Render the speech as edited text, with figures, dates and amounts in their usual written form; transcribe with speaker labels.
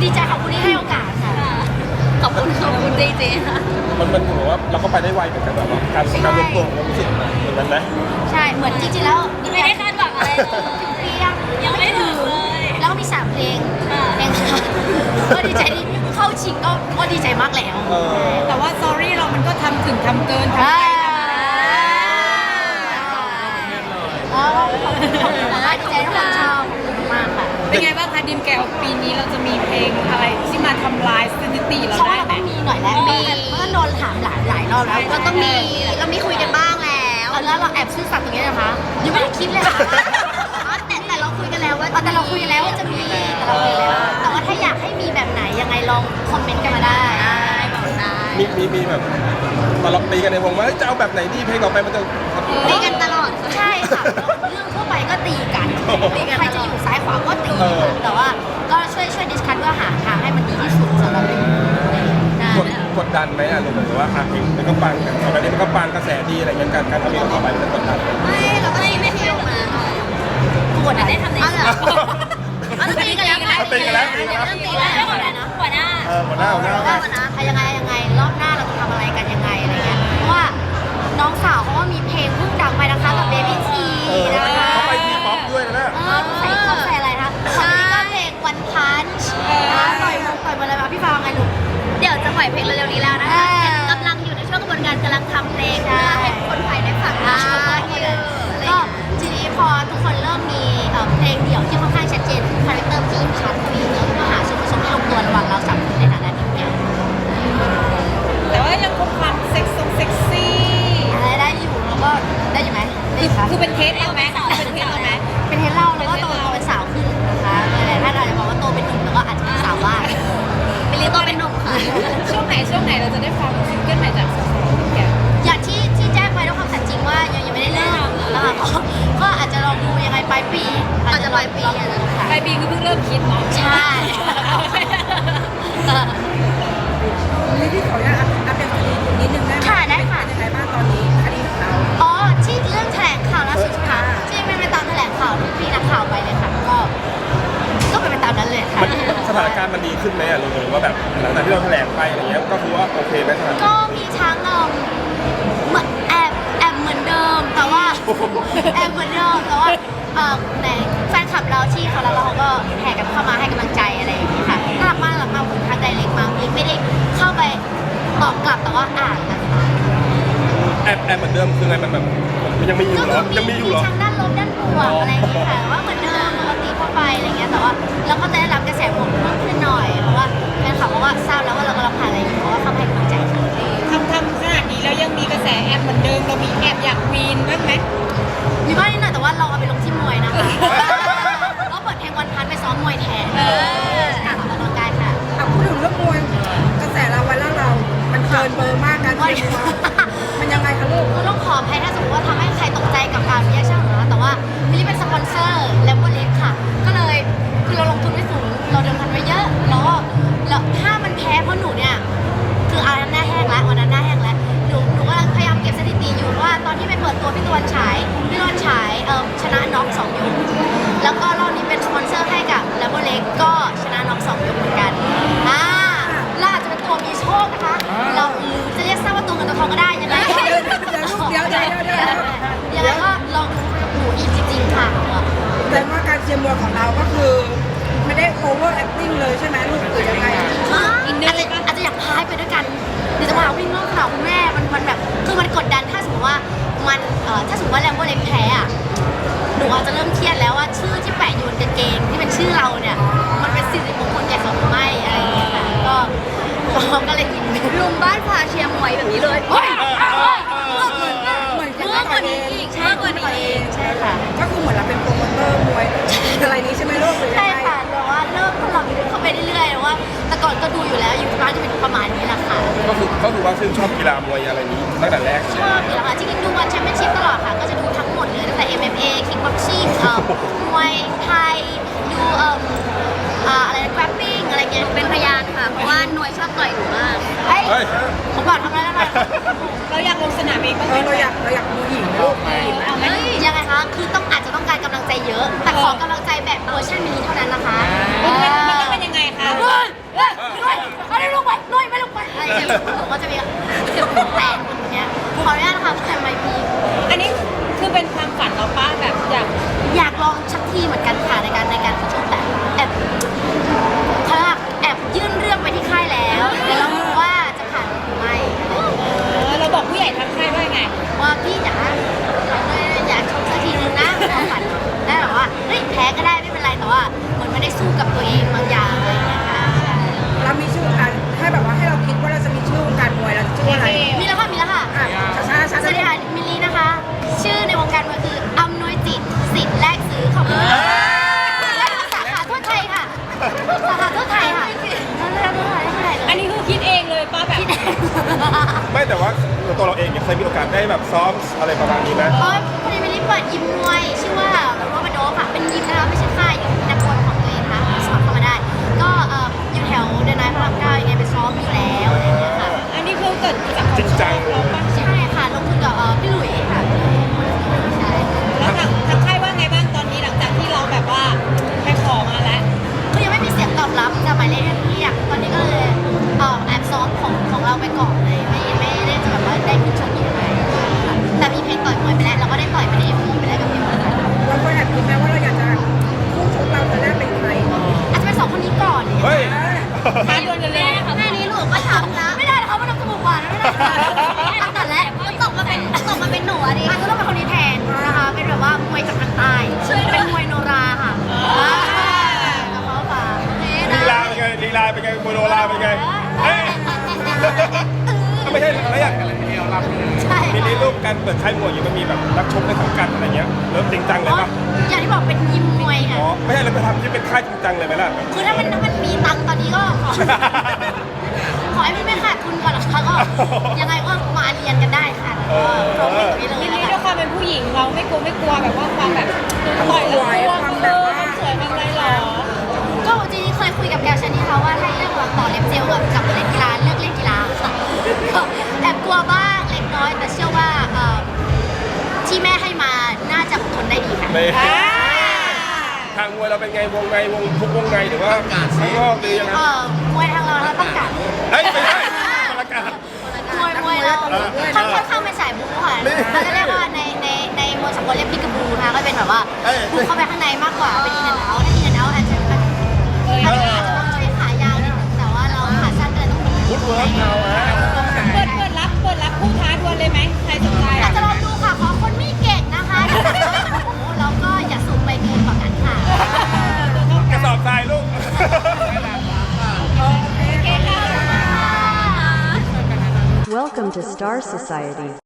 Speaker 1: ดีใจขอบคุณที่ให้โอกาสค่ะขอบคุณจริงๆค่ะ
Speaker 2: มันเหมือนว่าเราก็ไปได้ไวเหมือนกันแบบการรวมตัวของรู้สึกเหมือนกันไหม
Speaker 1: ใช่เหมือนจริงๆแล้ว
Speaker 3: ไม่ได้คาดหวังอะไรเลยยังไม่ถึงเลย
Speaker 1: แล้วก็มี3เพลงค่ะก็ดีใจที่เข้าชิงก็ดีใจมากแล้ว
Speaker 4: แต่ว่า sorry เรามันก็ทำถึงทำเกินทำไป
Speaker 1: ดีใจทุกคนชอบมากค่ะ
Speaker 4: เป็นไงบ้างคะดิมแกวปีนี้เราจะมีเพลงอะไรที่มาทำลายสถิติเราได้ไหม
Speaker 1: มีหน่อยแล้วมีเพราะโดนถามหลายรอบแล้วก็ต้องมีเรามีคุยกันบ้างแล้วเราแอบซื่อสัตย์ตรงนี้นะคะยังไม่ได้คิดเลยค่ะแต่เราคุยกันแล้วว่าแต่เราคุยกันแล้วว่าจะมีแต่ว่าถ้าอยากให้มีแบบไหนยังไงลองคอมเมนต์กันมาได้บอกได้
Speaker 2: มีแบบตลอดตีกันในวงว่าจะเอาแบบไหนดีเพลงต่อไปมันจะ
Speaker 1: ตีกันตลอดใช่ค่ะเรื่องทั่วไปก็ตีกันใครจะอยู่ซ้ายขวาก็ตีกันแต่ว่าก็ช่วยดิสคัทเพื่อหาทางให้มันดีที่สุดสำหรับ
Speaker 2: กดดันไหมอ่ะหรือว่าเพลงมันก็ปังตอนนี้มันก็ปังกระแสดีอะไรเงี้ยการทำเพลงต่อไปมันกดดัน
Speaker 1: ไม่เราก็ไม่เที่ยวมา
Speaker 3: ปวดได้ทำใน
Speaker 1: ตีกันแล้ว
Speaker 2: ตีกันแล้ว
Speaker 3: หัวหน้า
Speaker 1: ยังไงรอบหน้าเราจะทำอะไรกันยังไงอะไรเงี้ยเพราะว่าน้องสาวเขาว่ามีเพลงเพิ่งดังไปนะคะกับเบบี้ทีนะคะ
Speaker 2: เขาไปทีป๊อปด้วยนะ
Speaker 1: ใส่อะไรคะตอนนี้ก็เพลงวันพันช์ปล่อยมาเลยมาพี่ฟางไงลูก
Speaker 3: เดี๋ยวจะปล่อยเพลงเร็วๆนี้แล้วนะคะกำลังอยู่ในช่วงกระบวนการกำลังทำเพลงเพื่อให้คนไทยได้ฟัง
Speaker 1: ก็ทีนี้พอทุกคนเริ่มมีเพลงเดี่ยวที่ค่อนข้างชัดเจนคาแรคเตอร์ที่ชัดมีหาส่วนผสมที่ลงตัวระหว่างเรา3คนในฐานะทีมงาน
Speaker 4: แต่ว่ายังคงความเซ็กซี่
Speaker 1: ได้อยู่แล้วก็ได้อยู่ไหม
Speaker 4: คือเป็นเทสเราไหมเป็นเทสเราไหม
Speaker 1: เป็นเทสเราแล้วก็โตเป็นสาวขึ้นนะคะหลายท่านอาจจะบอกว่าโตเป็นหนุ่มแล้วก็อาจจะเป็นสาวว่า
Speaker 3: เป็นเรียกโตเป็นหนุ่มค่ะ
Speaker 4: ช่วงไหนเราจะได้ฟังซิงเกิลใหม่จากแก
Speaker 1: อย่างที่แจ้งไว้ด้วยความสัตย์จริงว่ายังไม่ได้เริ่มนะคะก็อาจจะลองดูยังไงปลายปี
Speaker 3: อาจจะปลายปี
Speaker 4: ปลายปีคือเพิ่งเริ่มคิดเนาะ
Speaker 1: ใช่
Speaker 4: นี่พี่ขออนุญาตอัปเดตคดีนิดนึงได้ไหม
Speaker 1: ค่ะได้ค่ะ
Speaker 4: ยังไงบ้างตอนนี้คดีของเรา
Speaker 1: ที่เรื่องแถลงข่าวล่าสุดค่ะที่เป็นไปตามแถลงข่าวที่พี่นักข่าวไปเลยค่ะก็เป็นไปตามนั้นเลยค่ะ
Speaker 2: สถานการณ์มันดีขึ้นไหมอ่ะหรือว่าแบบหลังจากที่เราแถลงไปอะไรเงี้ยก็คือว่าโอเคไหมสถานการณ์
Speaker 1: ก็มีทั้งแอบเหมือนเดิมแต่ว่าในแฟนคลับเราที่เขาแล้วเขาก็แห่กันเข้ามาให้กำลังใจอะไรอย่างนี้ค่ะน่ารักมากผมทางไดเรกมาไม่ได้เข้าไปตอบกลับแต่ว่าอ่านนะคะ
Speaker 2: แอบเหมือนเดิมคือไงมันแบบมันยังมีอยู่เหรอยังมีอยู่เหรอ
Speaker 1: ทั้งด้านลบด้านบวกอะไรอย่างนี้ค่ะว่าเหมือนเดิมปกติเข้าไปอะไรเงี้ยแต่ว่าเราก็จะได้รับกระแสบวกมากขึ้นหน่อยเพราะว่าแฟนคลับบอกว่าทราบแล้วว่าเรากำลังผ่านอะไรอยู่เพราะว่าเข้าให้กำลังใจ
Speaker 4: ทำขนาดนี้แล้วยังมีกระแสแอบเหมือนเดิมเรามีแอบอยากวีนบ้างไหม
Speaker 1: มีบ้างนิดหน่อยแต่ว่าเราเอาไปลงที่มวยนะคะก็เปิดเพลงวันพันไปซ้อมมวยแทนออกกำลังกายค่ะ
Speaker 4: พูดถึงเรื่องมวยกระแสเราไว้แล้วเรามันเกินเบอร์มากการเชียร์มันยังไงคะลูก
Speaker 1: ต้องขออภัยถ้าสมมติว่าทำให้ใครตกใจกับการรีแอคชั่นของเราแต่ว่ามิลลี่เป็นสปอนเซอร์แลมโบเล็กค่ะก็เลยคือเราลงทุนไว้สูงเราเดิมพันไว้เยอะแล้วถ้ามันแพ้เพราะหนูเนี่ยคืออาหน้าแห้งแล้ววันนั้นหน้าแห้งแล้วหนูกำลังพยายามเก็บสถิติอยู่ว่าตอนที่ไปเปิดตัวพี่ตะวันฉายชนะน็อก2 ยกแล้วก็รอบนี้เป็นสปอนเซอร์ให้กับแลมโบเล็กก็ชนะน็อก2 ยกเหมือนกันเราอาจจะเป็นตัวมีโชคนะคะเราหรือจะเรียกซะว่าตัวเงินตัวทองก็ได้ยังไงยังไงก็ลองดูกับหนูอีกจริงๆค่ะ
Speaker 4: แต่ว่าการเชียร์มวยของเราก็คือไม่ได้โอเวอร์แอคติ้งเลยใช่ไหมลูกหรือยังไง
Speaker 1: อาจจะอยากพายไปด้วยกันเดี๋ยวจะมาวิ่งรอบสนามคุณแม่มันแบบคือมันกดดันถ้าสมมติว่ามันถ้าสมมติว่าแลมโบเล็กแพ้อะหนูอาจจะเริ่มเครียดแล้วว่าชื่อที่แปะอยู่บนกางเกงที่เป็นชื่อเราเนี่ยมันเป็นสิริมงคลแก่เขาหรือไม่อะไรอย่างเงี้ยค่ะก็เลยกิน
Speaker 3: ลุงบ้านพาเชียร์มวยแบบนี้เลย
Speaker 4: เหมือนมากกว่านี้
Speaker 1: ใช่ค่ะ
Speaker 4: ก็คือเหมือนเราเป็นโปรโมเตอร์มวยอะไรนี้ใช่ไหมลูก
Speaker 1: ใช่ค่ะแต่ว่าเริ่มทดลองเข้าไปเรื่อยๆแต่ว่าแต่ก่อนก็ดูอยู่แล้วอยู่ที่บ้านจะเป็นประมาณนี้แหละค่ะ
Speaker 2: ก็คือว่าชื่นชอบกีฬามวยอะไรนี้ตั้งแต่แรก
Speaker 1: ชอบอยู่แล้วค่ะจริงๆดูวันแชมเปี้ยนชิพตลอดค่ะก็จะดูทั้งหมดเลยตั้งแต่ MMA คิกบ็อกซิ่งมวยไทยดูอะไรแกร็ปปิ้งอะไรเงี้ย
Speaker 3: เป็นพยานค่ะเพราะว่าหน่วยชอบต่อยหนูมาก
Speaker 1: ผมบอกทำอะไรได้ไหม
Speaker 4: เราอยากลงสนามเองเราอยากดูหญิงลูก
Speaker 1: ยังไงคะคืออาจจะต้องการกำลังใจเยอะแต่ขอกำลังใจแบบเวอร์ชันมินิเท่านั้นนะคะ
Speaker 4: มันต้องเป็นยังไงคะ
Speaker 1: ไม่ได้สู้กับตัวเองบางอย่างอะไรอย่างเงี้ยค่ะ
Speaker 4: เรามีชื่อให้แบบว่าให้เราคิดว่าเราจะมีชื่อวงการมวยเราจะชื่ออะไร
Speaker 1: มีแล้วค่ะมีแล้วค่ะ
Speaker 4: ช้า
Speaker 1: สวัสดีค่ะมิลลี่นะคะ ชื่อในวงการมวยคืออำนวยจิตสิทธิ์แลกซื้อขอบคุณและสาขาทั่วไทยค่ะสาขาทั่วไทยค่ะทั่วไทย
Speaker 3: อันนี้คือคิดเองเลยป้าแบบ
Speaker 2: ไม่แต่ว่าตัวเราเองเนี่ยเคยมีโอกาสได้แบบซ้อมอะไรประมาณนี้ไหม
Speaker 1: เพราะพอดีมิลลี่เปิดยิมมวยชื่อว่าโรบันโดค่ะเป็นยิมนะคะไม่ใช่ค่ายอยู่นักบอลของตัวเองค่ะสมัครเข้ามาได้ ก็อยู่แถวเดนไนท์พระราม 9ยังไงไปซ้อมอยู่แล้วอะไรอย่างเงี้ยค่ะ
Speaker 3: อันนี้คือเกิดจาก
Speaker 2: จริงจังเลย
Speaker 1: ใช่ค่ะลงทุนกับพี่หลุยส์ค่ะใช่
Speaker 3: แล้วทางค่ายว่าไงบ้างตอนนี้หลังจากที่เราแบบว่าไปขอมาแล้ว
Speaker 1: คือยังไม่มีเสียงตอบรับจากหมายเลขที่อยากตอนนี้ก็เลยแอบซ้อมของเราไปก่อนเลยไม่ได้จะแบบว่าได้ขึ้นชกยังไงค่ะแต่มีเพลงต่อยมวยไปแล้วเราก็ได้ต่อยไปในเอ็มวีไปแล้วกับพี่หลุยส์
Speaker 4: เราเคยแอบคิดไหมว่าเราอยากจะคู่ชกเราจะได้เป็นใคร
Speaker 1: อาจจะเป็นสองคนนี้ก่อนเนี่ย
Speaker 2: เฮ้ย
Speaker 3: ท้าดวลกันเลยนะคะ
Speaker 1: แค่นี้หนูก็ทำนะไม่ได้นะคะมันต้องจมูกหวานไม่ได้ตั้งแต่แรกตกมาเป็นหนูอะดิก็ต้องเป็นคนนี้แทนนะคะเป็นแบบว่ามวยจากทางใต้เป็นมวยโนราค่ะกับเขาฝาก
Speaker 2: ลีลาเป็นไงลีลาเป็นไงโมโนลาเป็นไงเอ้ยไม่ใช่อะไรอย่าง
Speaker 1: ใช่
Speaker 2: ทีนี้รูปการเปิดค่ายมวยอยู่มันมีแบบนักชกในสังกัดอะไรเงี้ยเริ่มจริงจังเลยปะ
Speaker 1: อย่างที่บอกเป็นยิมมวย
Speaker 2: อ๋
Speaker 1: ค่ะ
Speaker 2: อไม่ใช่เราไปทำที่เป็นค่ายจริงจังเลยไหมล่ะ
Speaker 1: คือถ้ามันมีตังค์ตอนนี้ก็ขอให้มันไม่ขาดทุนก่อนนะคะก็ยังไงก็มาเรียนกันได้ค่ะพร้อมเป็นตรงนี้เลย
Speaker 3: ที
Speaker 1: แล้ว
Speaker 3: นี้
Speaker 1: กั
Speaker 3: ด้วยความเป็นผู้หญิงเราไม่กลัวแบบว่าความแบบต่อยแล้วความแบบความสวยความอะไรหรอ
Speaker 1: ก็จริงๆเคยคุยกับแกวชนี่ค่ะว่าถ้าเลือกต่อเล็บเจลกับเล่นกีฬาเลือกเล่นกีฬาค่ะก็แอบกลัวบ้างเล็กน้อยแต่เชื่อว่าที่แม่ให้มาน่าจะอดทนได้ดีค่ะ
Speaker 2: ในทางมวยเราเป็นไงวงในวงทุกวงในหรือว่าข้างนอกหรือยังไง
Speaker 1: มวยทางเราต้องการ
Speaker 2: เฮ้ยไม่ใช่ประกาศ
Speaker 1: มวยเราค่อนข้างเป็นสายบู๊ค่ะเขาจะเรียกว่าในมวยสากลเรียกพิกาบูนะคะก็เป็นแบบว่าบุกเข้าไปข้างในมากกว่าเป็นอินเนอร์เอาถ้าอินเนอร์เอาอาจจะต้องใช้ขายาวนิดนึงแต่ว่าเราขาสั้นก็เลยต้อง
Speaker 2: ฟุตเวิร์กเราฮะ
Speaker 3: เปิดรับผู้ท้าดวลเลยไหมใครสนใจ
Speaker 1: อาจจะลองดูค่ะขอคนไม่เก่งนะคะแล้วก็อย่าสูงไปเกินกว่ากันค่ะ
Speaker 2: กระสอบทรายลูก
Speaker 3: โอเคค่ะ
Speaker 5: Welcome to Star Society.